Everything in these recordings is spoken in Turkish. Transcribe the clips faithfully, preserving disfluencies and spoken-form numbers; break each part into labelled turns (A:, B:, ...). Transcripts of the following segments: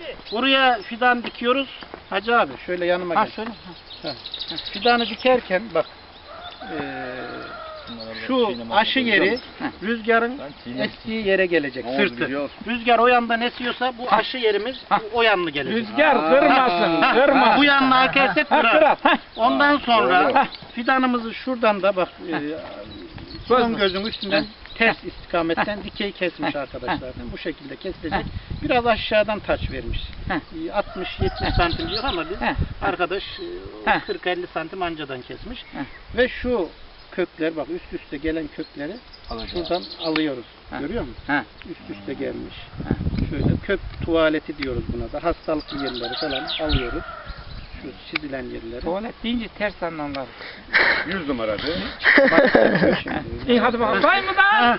A: Buraya fidan dikiyoruz. Hacı abi şöyle yanıma
B: Ha,
A: gel.
B: şöyle.
A: Ha. Fidanı dikerken bak eee, şu aşı yeri rüzgarın estiği yere gelecek, sırtı. Rüzgar o yandan esiyorsa bu aşı yerimiz o yanlı gelecek.
B: Rüzgar kırmasın, kırmasın.
A: Bu yanına akersek
B: Ha,
A: kırar.
B: kırar. Ha.
A: Ondan sonra fidanımızı şuradan da bak eee, son gözün üstünden ters istikametten dikey kesmiş arkadaşlar. Bu şekilde kesilecek. Biraz aşağıdan taç vermiş. altmış yetmiş santim diyor ama biz arkadaş e, kırk elli santim ancadan kesmiş. Ve şu kökler bak üst üste gelen kökleri şuradan alıyoruz. Görüyor musun? Üst üste gelmiş. Şöyle kök tuvaleti diyoruz buna da. Hastalıklı yerleri falan alıyoruz. Şu çizilen yerleri.
B: Tuvalet deyince ters anlamlar.
C: Yüz numara diyor.
B: İyi hadi bakalım. Say mı da?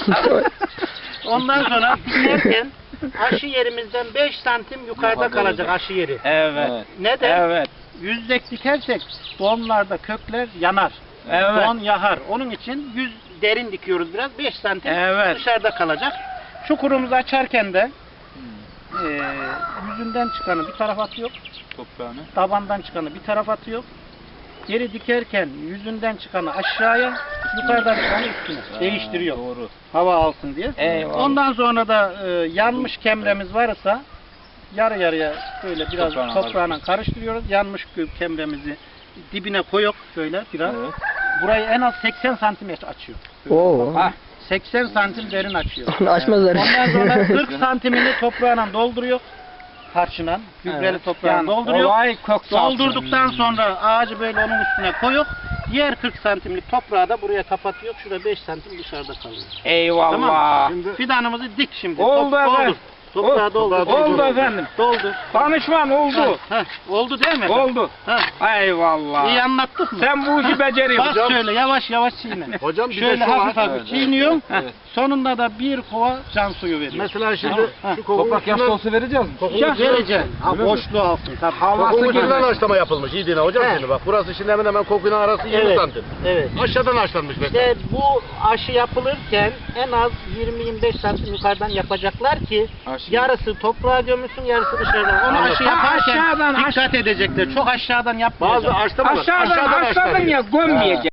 A: Ondan sonra dikerken aşı yerimizden beş santim yukarıda kalacak aşı yeri.
B: Evet.
A: Neden?
B: Evet.
A: Yüzdek dikersek donlarda kökler yanar.
B: Evet.
A: Don yahar. Onun için yüz derin dikiyoruz biraz. beş santim
B: Evet.
A: dışarıda kalacak. Çukurumuzu açarken de e, yüzünden çıkanı bir tarafa atıyor.
C: Toprağını.
A: Tabandan çıkanı bir tarafa atıyor. Geri dikerken yüzünden çıkanı aşağıya, yukarıdan çıkanı üstüne değiştiriyor.
C: Doğru.
A: Hava alsın diye.
B: Eyvallah.
A: Ondan sonra da e, yanmış kemremiz varsa yarı yarıya böyle biraz
C: Toprağına
A: toprağına karıştırıyoruz. Yanmış kemremizi dibine koyup şöyle biraz.
C: Evet.
A: Burayı en az seksen santimetre açıyor.
D: Oo.
B: Ha.
A: seksen santim derin açıyor.
D: Onu açmazlar.
A: Ondan sonra kırk santimini toprağına dolduruyor. Tarçınan, gübreli
B: Evet.
A: toprağına
B: Yani
A: dolduruyor.
B: olay kök salçası.
A: Doldurduktan sonra ağacı böyle onun üstüne koyuyor. Diğer kırk santimlik toprağı da buraya kapatıyor. Şurada beş santim dışarıda kalıyor.
B: Eyvallah.
A: Tamam. Şimdi fidanımızı dik şimdi.
B: Oldu
A: Top-
B: efendim.
A: Doldur. Toprağı
B: Oldu.
A: doldur.
B: Oldu efendim.
A: Doldur.
B: Danışman oldu.
A: Ha, ha. Oldu değil mi?
B: Oldu.
A: Ha.
B: Eyvallah.
A: İyi anlattık mı?
B: Sen bu işi beceriyorsun.
A: Bas şöyle yavaş yavaş çiğne.
C: Hocam bir de
A: Şöyle
C: şu
A: hafif
C: var.
A: hafif
C: Evet,
A: çiğniyor.
C: evet.
A: Sonunda da bir kova can suyu veriyor.
C: Mesela şimdi
A: Ha.
C: şu kokunun
E: Toprak yaş dolusu vereceğiz mi?
A: Ya vereceğim. Ha, boşluğu alsın. Tabii.
B: Havası
C: Kokunun
B: girmez.
C: ucundan haşlama yapılmış. İyi dinle hocam
A: He.
C: şimdi bak. Burası şimdi hemen hemen kokuyla arası yirmi
A: Evet.
C: santim.
A: Evet.
C: Aşağıdan haşlanmış mesela.
A: İşte bu aşı yapılırken en az yirmi yirmi beş santim yukarıdan yapacaklar ki
E: Aşı.
A: yarısı toprağa gömülsün, yarısı dışarıdan. Onu aşı
B: Ha,
A: yaparken
B: aşağıdan,
A: dikkat edecekler. Çok aşağıdan
C: Bazı
A: yapmayacak.
C: haşlamalar.
B: Aşağıdan aşağıdan ya gömmeyecek.